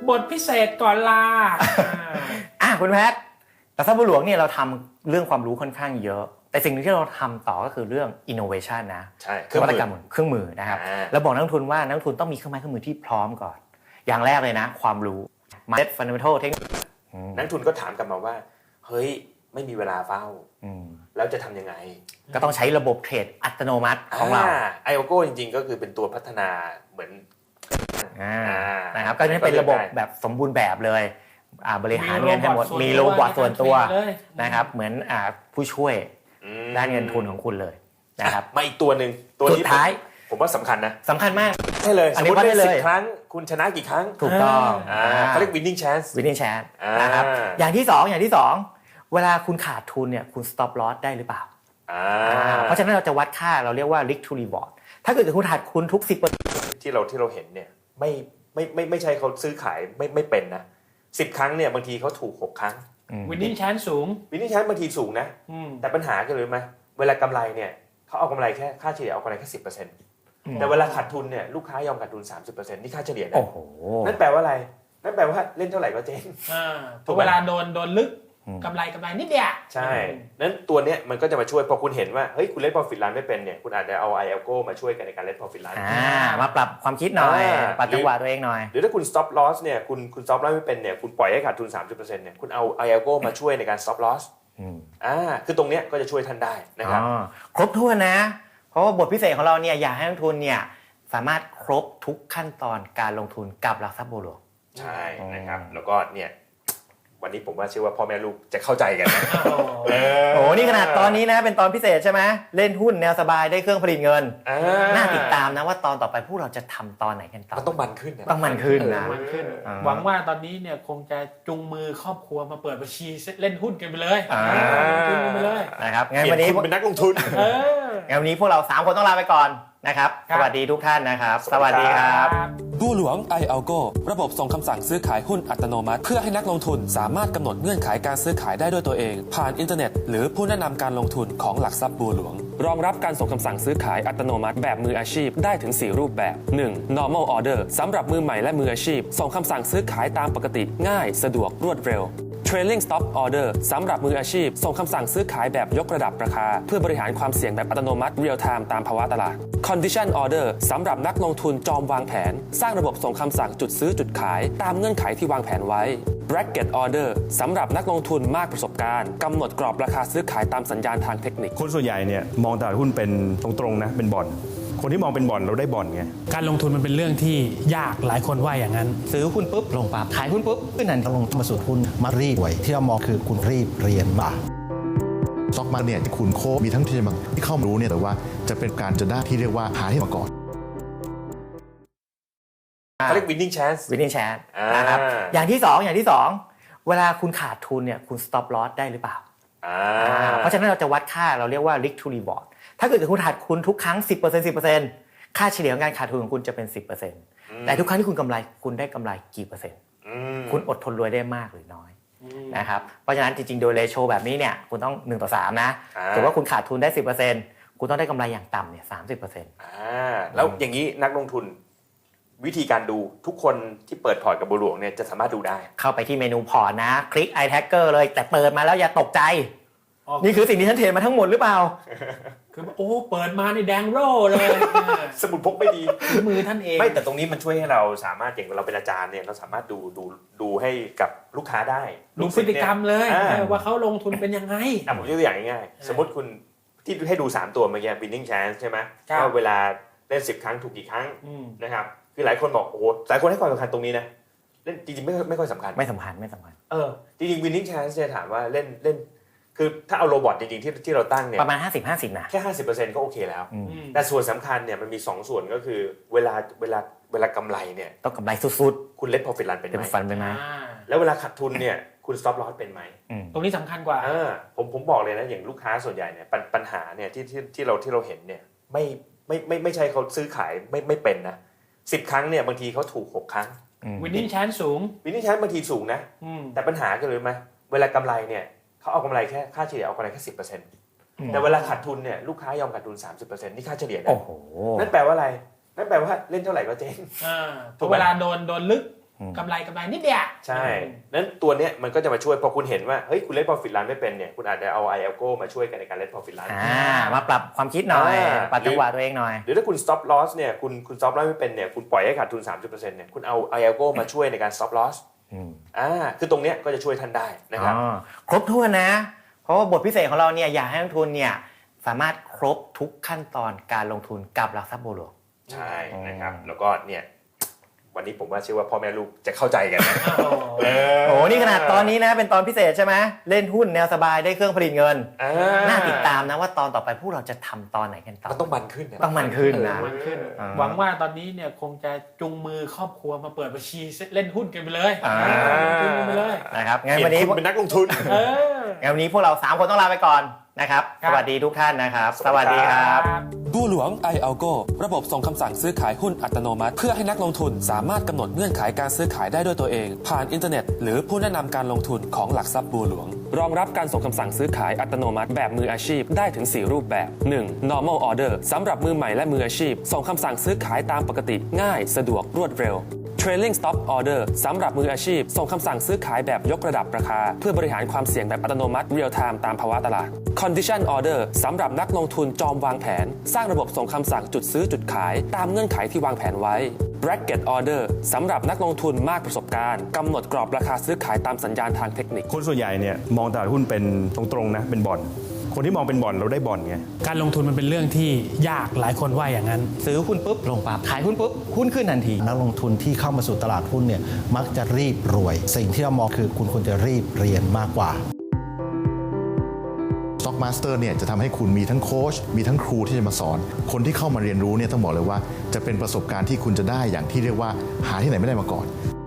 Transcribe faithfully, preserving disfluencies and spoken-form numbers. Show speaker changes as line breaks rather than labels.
บทพิเศษก่อนลา
อ่ะคุณแพทย์หลักทรัพย์บัวหลวงเนี่ยเราทำเรื่องความรู้ค่อนข้างเยอะแต่สิ่งที่เราทำต่อก็คือเรื่อง innovation นะ
ใช่
นวัตกรรมเครื่องมือนะครับแล้วบอกนักลงทุนว่านักลงทุนต้องมีเครื่องไม้เครื่องมือที่พร้อมก่อนอย่างแรกเลยนะความรู้ mindset fundamental เทคนิค
นักทุนก็ถามกลับมาว่าเฮ้ยไม่มีเวลาเฝ้าแล้วจะทำยังไง
ก็ต้องใช้ระบบเทรดอัตโนมัติของเรา
ไอโอโก้จริงๆก็คือเป็นตัวพัฒนาเหมือน
นะครับก็จะเป็นระบบแบบสมบูรณ์แบบเลยบริหารเงินให้หมดมีโรบอทส่วนตัวนะครับเหมือนผู้ช่วยด้านเงินทุนของคุณเลยนะครับ
มาอีกตัวหนึ่งตัว
นี้สุดท้าย
ผมว่าสำคัญนะ
สำคัญมาก
ใช่เลย
อันนี้ว่าได้เลย
ครั้งคุณชนะกี่ครั้ง
ถูกต้อง
เขาเรียก winning chance
winning chance นะครับอย่างที่สองอย่างที่สองเวลาคุณขาดทุนเนี่ยคุณ stop loss ได้หรือเปล่าเพราะฉะนั้นเราจะวัดค่าเราเรียกว่า risk to reward ถ้าเกิดคุณขาดทุนทุก สิบเปอร์เซ็นต์
ที่เราที่เราเห็นเนี่ยไม่ไม่ไม่ไม่ใช่เขาซื้อขายไม่ไม่เป็นนะสิบครั้งเนี่ยบางทีเขาถูกหกครั้ง
winning chance สูง
winning chance บางทีสูงนะแต่ปัญหาคืออะไรไหมเวลากำไรเนี่ยเขาเอากำไรแค่ค่าเฉลี่ยเอากำไรแค่ สิบเปอร์เซ็นต์ แต่เวลาขาดทุนเนี่ยลูกค้ายอมขาดทุน สามสิบเปอร์เซ็นต์ นี่ค่าเฉลี่ยนะนั่นแปลว่าอะไรนั่นแปลว่าเล่นเท่าไหร่ก็เจ๊ง
พอเวลาโดนโดนลึกกำไรกำไรนิดเดียว
ใช่นั้นตัวเนี้ยมันก็จะมาช่วยพอคุณเห็นว่าเฮ้ยคุณเล่น profit run ไม่เป็นเนี่ยคุณอาจจะเอา ไอ แอล โอ มาช่วยกันในการเล่น profit run
มาปรับความคิดหน่อยปรับจังหวะตัวเองหน่อย
หรือถ้าคุณ stop loss เนี่ยคุณคุณ stop loss ไม่เป็นเนี่ยคุณปล่อยให้ขาดทุน สามสิบเปอร์เซ็นต์ เนี่ยคุณเอา ไอ แอล โอ มาช่วยในการ stop loss อ่าคือตรงเนี้ยก็จะช่วยท่านได้นะครับ
ครบถ้วนนะเพราะว่าบทพิเศษของเราเนี่ยอยากให้นักลงทุนเนี่ยสามารถครบทุกขั้นตอนการลงทุนกับหลักทรัพย์บัวหลวง
ใช่นะครับแล้วก็เนี่ยวันนี้ผมว่าเชื่อว่าพ่อแม่ลูกจะเข้าใจกันนะ
โอ้โหนี่ขนาดตอนนี้นะเป็นตอนพิเศษใช่ไหมเล่นหุ้นแนวสบายได้เครื่องผลิตเงินน่าติดตามนะว่าตอนต่อไปพวกเราจะทำตอนไหนกันต่อ
มันต้องมันขึ้น
ต้องมันขึ้นนะ
หวังว่าตอนนี้เนี่ยคงจะจุงมือครอบครัวมาเปิดบัญชีเล่นหุ้นกันไปเลย
ขึ้นไปเลยนะครับงั้นวันนี้
เป็นนักลงทุน
งั้นวันนี้พวกเราสามคนต้องลาไปก่อนนะครับสวัสดีทุกท่านนะครับสวัสดีครับ
บัวหลวง ไอ แอล โอ ระบบส่งคำสั่งซื้อขายหุ้นอัตโนมัติเพื่อให้นักลงทุนสามารถกำหนดเงื่อนไขการซื้อขายได้ด้วยตัวเองผ่านอินเทอร์เน็ตหรือผู้แนะนำการลงทุนของหลักทรัพย์บัวหลวงรองรับการส่งคำสั่งซื้อขายอัตโนมัติแบบมืออาชีพได้ถึงสี่รูปแบบ หนึ่ง normal order สำหรับมือใหม่และมืออาชีพส่งคำสั่งซื้อขายตามปกติง่ายสะดวกรวดเร็วTrailing Stop Order สำหรับมืออาชีพส่งคำสั่งซื้อขายแบบยกระดับราคาเพื่อบริหารความเสี่ยงแบบอัตโนมัติ Real Time ตามภาวะตลาด Condition Order สำหรับนักลงทุนจอมวางแผนสร้างระบบส่งคำสั่งจุดซื้อจุดขายตามเงื่อนไขที่วางแผนไว้ Bracket Order สำหรับนักลงทุนมากประสบการณ์กำหนดกรอบราคาซื้อขายตามสัญญาณทางเทคนิค
คนส่วนใหญ่เนี่ยมองตลาดหุ้นเป็นตรงๆนะเป็นบ่อนคนที่มองเป็นบ่อนเราได้บ่อนไง
การลงทุนมันเป็นเรื่องที่ยากหลายคนว่าอย่างนั้น
ซื้อหุ้นปุ๊บลงปั๊บขายหุ้นปุ๊บขึ้นทันที
ลงมาสู่หุ้นมารีบไว้ที่เรามองคือคุณรีบเรียนบ่าสต็อกมาเนี่ยที่คุณโคมีทั้งที่มาที่เข้ามารู้เนี่ยแต่ว่าจะเป็นการจะได้ที่เรียกว่าหาให้มาก่อน
เขาเรียก winning chance
winning chance นะครับอย่างที่สองอย่างที่สองเวลาคุณขาดทุนเนี่ยคุณ stop loss ได้หรือเปล่าเพราะฉะนั้นเราจะวัดค่าเราเรียกว่า risk to rewardถ้าเกิดคุณขาดทุนทุกครั้ง สิบเปอร์เซ็นต์ สิบเปอร์เซ็นต์ ค่าเฉลี่ยของการขาดทุนของคุณจะเป็น สิบเปอร์เซ็นต์ แต่ทุกครั้งที่คุณกำไรคุณได้กำไรกี่เปอร์เซ็นต์คุณอดทนรวยได้มากหรือน้อยนะครับเพราะฉะนั้นจริงๆโดยเรโชแบบนี้เนี่ยคุณต้องหนึ่งต่อสามนะถือว่าคุณขาดทุนได้ สิบเปอร์เซ็นต์ คุณต้องได้กำไรอย่างต่ำเนี่ย สามสิบเปอร์เซ็นต์
อ่าแล้วอย่างนี้นักลงทุนวิธีการดูทุกคนที่เปิดพอร์ตกับบัวหลวงเนี่ยจะสามารถดูได้
เข้าไปที่เมนูพอร์ตนะคลิก i tracker เลยแต่เปิดมาแล้วอย่าตกใจนี่คือสิ่งที่ฉันเทรดมาทั้งหมดหรือเปล่า
คือโอ้เปิดมาในแดงโร่เลย
สมุดพกไม่ดี
มือท่านเอง
ไม่แต่ตรงนี้มันช่วยให้เราสามารถอย่างเราเป็นอาจารย์เนี่ยเราสามารถดูดูดูให้กับลูกค้าได้
ดูพฤติกรรมเลยว่าเขาลงทุนเป็นยังไง
อ่ะผมยกตัวอย่างง่ายๆสมมติคุณที่ให้ดูสามตัวเมื่อกี้ winning chance ใช่ไหมว่าเวลาเล่นสิบครั้งถูกกี่ครั้งนะครับคือหลายคนบอกโอ้โหหลายคนให้ความสำคัญตรงนี้นะเล่นจริงๆไม่ไม่ค่อยสำคัญ
ไม่สำคัญไม่สำคัญ
เออจริงๆ winning chance เนี่ยถามว่าเล่นเล่นคือถ้าเอาโรบอทจริงๆที่ที่เราตั้งเนี่ย
ประมาณ ห้าสิบ ห้าสิบ นะ
แค่ ห้าสิบเปอร์เซ็นต์ ก็โอเคแล้วแต่ส่วนสำคัญเนี่ยมันมีสองส่วนก็คือเวลาเวลาเวลากำไรเนี่ย
ต้องกำไรสุด
ๆคุณเล่น profit run เป็นไหม
ฟันเป็นไหม
แล้วเวลาขาดทุนเนี่ยคุณ stop loss เป็นไหม
ตรงนี้สำคัญกว่า
เออผมผมบอกเลยนะอย่างลูกค้าส่วนใหญ่เนี่ยปัญหาเนี่ยที่ที่ที่เราที่เราเห็นเนี่ยไม่ไม่ไม่ไม่ใช่เขาซื้อขายไม่ไม่เป็นนะสิบครั้งเนี่ยบางทีเขาถูกหกครั้ง
winning chance สูง
winning chance บางทีสูงนะแต่ปัญหาคืออะไรไหมเวลากำไรเนี่ยเขาเอากำไรแค่ค่าเฉลี่ยเอากำไรแค่ สิบเปอร์เซ็นต์ แต่เวลาขาดทุนเนี่ยลูกค้ายอมขาดทุน สามสิบเปอร์เซ็นต์ นี่ค่าเฉลี่ยนะนั่นแปลว่าอะไรนั่นแปลว่าเล่นเท่าไหร่ก็เจ๊ง
พอเวลาโดนโดนลึกกำไรกำไรนิดเดียว
ใช่นั้นตัวเนี้ยมันก็จะมาช่วยพอคุณเห็นว่าเฮ้ยคุณเล่น profit run ไม่เป็นเนี่ยคุณอาจจะเอา ไอ แอล จี โอ มาช่วยกันในการเล่น profit run
อ่ามาปรับความคิดหน่อย
อ่า
ปรับจังหวะตัวเองหน่อย
หรือถ้าคุณ stop loss เนี่ยคุณคุณ stop loss ไม่เป็นเนี่ยคุณปล่อยให้ขาดทุน สามสิบเปอร์เซ็นต์ เนี่ยคุณเอา ไอ แอล จี โอ มาช่วยในการ stop loss
อืม
อ่าคือตรงเนี้ยก็จะช่วยท่านได้นะครับ
อ๋อครบถ้วนนะ เพราะว่าบทพิเศษของเราเนี่ยอยากให้นักลงทุนเนี่ยสามารถครบทุกขั้นตอนการลงทุนกับหลักทรัพย์บัวหลวง
ใช่นะครับแล้วก็เนี่ยวันนี้ผมว่าเชื่อว่าพ่อแม่ลูกจะเข้าใจกันนะ
โอ้โหนี่ขนาดตอนนี้นะเป็นตอนพิเศษใช่ไหมเล่นหุ้นแนวสบายได้เครื่องผลิตเงิน
อ่
น่าติดตามนะว่าตอนต่อไปพวกเราจะทำตอนไหนกันต่อ
มันต้องมันขึ้นนะ
ต้องมันขึ้นนะ
มันขึ้น
อ่า
หวังว่าตอนนี้เนี่ยคงจะจุงมือครอบครัวมาเปิดบัญชีเล่นหุ้นกันไปเลย
อ่า
ลงทุนกันไปเลย
นะครับงั้น
เปลี่
วัน
ย
นี้
นคุณเป็นนักลงทุน
เออ
งั้นวันนี้พวกเราสามคนต้องลาไปก่อนนะครับ
ครับ
สวัสดีทุกท่านนะครับ
ส
ส
วั
วั
ส
ส
ดี
ดี
ค
ค
รั
รับ บ
บัวหลวง ไอ แอล จี โอ ระบบส่งคำสั่งซื้อขายหุ้นอัตโนมัติ เพื่อให้นักลงทุนสามารถกำหนดเงื่อนไขการซื้อขายได้ด้วยตัวเอง ผ่านอินเทอร์เน็ต หรือผู้แนะนำการลงทุนของหลักทรัพย์บัวหลวง รองรับการส่งคำสั่งซื้อขายอัตโนมัติแบบมืออาชีพได้ถึง สี่ รูปแบบ หนึ่ง normal order สำหรับมือใหม่และมืออาชีพ ส่งคำสั่งซื้อขายตามปกติง่ายสะดวกรวดเร็ว Trailing Stop Order สำหรับมืออาชีพ ส่งคำสั่งซื้อขายแบบยกระดับราคา เพื่อบริหารความเสี่ยงแบบอัตโนมัติ Real Time ตามภาวะตลาด Condition Order สำหรับนักลงทุนจอมวางแผน สร้างระบบส่งคำสั่งจุดซื้อจุดขายตามเงื่อนไขที่วางแผนไว้ Bracket Order สำหรับนักลงทุนมากประสบการณ์กำหนดกรอบราคาซื้อขายตามสัญญาณทางเทคนิค
คนส่วนใหญ่เนี่ยมองตลาดหุ้นเป็นตรงๆนะเป็นบ่อนคนที่มองเป็นบ่อนเราได้บ่อนไง
การลงทุนมันเป็นเรื่องที่ยากหลายคนว่าอย่างนั้น
ซื้อหุ้นปุ๊บลงปั๊บขายหุ้นปุ๊บหุ้นขึ้นทันที
นักลงทุนที่เข้ามาสู่ตลาดหุ้นเนี่ยมักจะรีบรวย สิ่งที่เรามองคือคุณควรจะรีบเรียนมากกว่า Stock Master เนี่ยจะทำให้คุณมีทั้งโค้ชมีทั้งครูที่จะมาสอน คนที่เข้ามาเรียนรู้เนี่ยต้องบอกเลยว่าจะเป็นประสบการณ์ที่คุณจะได้อย่างที่เรียกว่าหาที่ไหนไม่ได้มาก่อน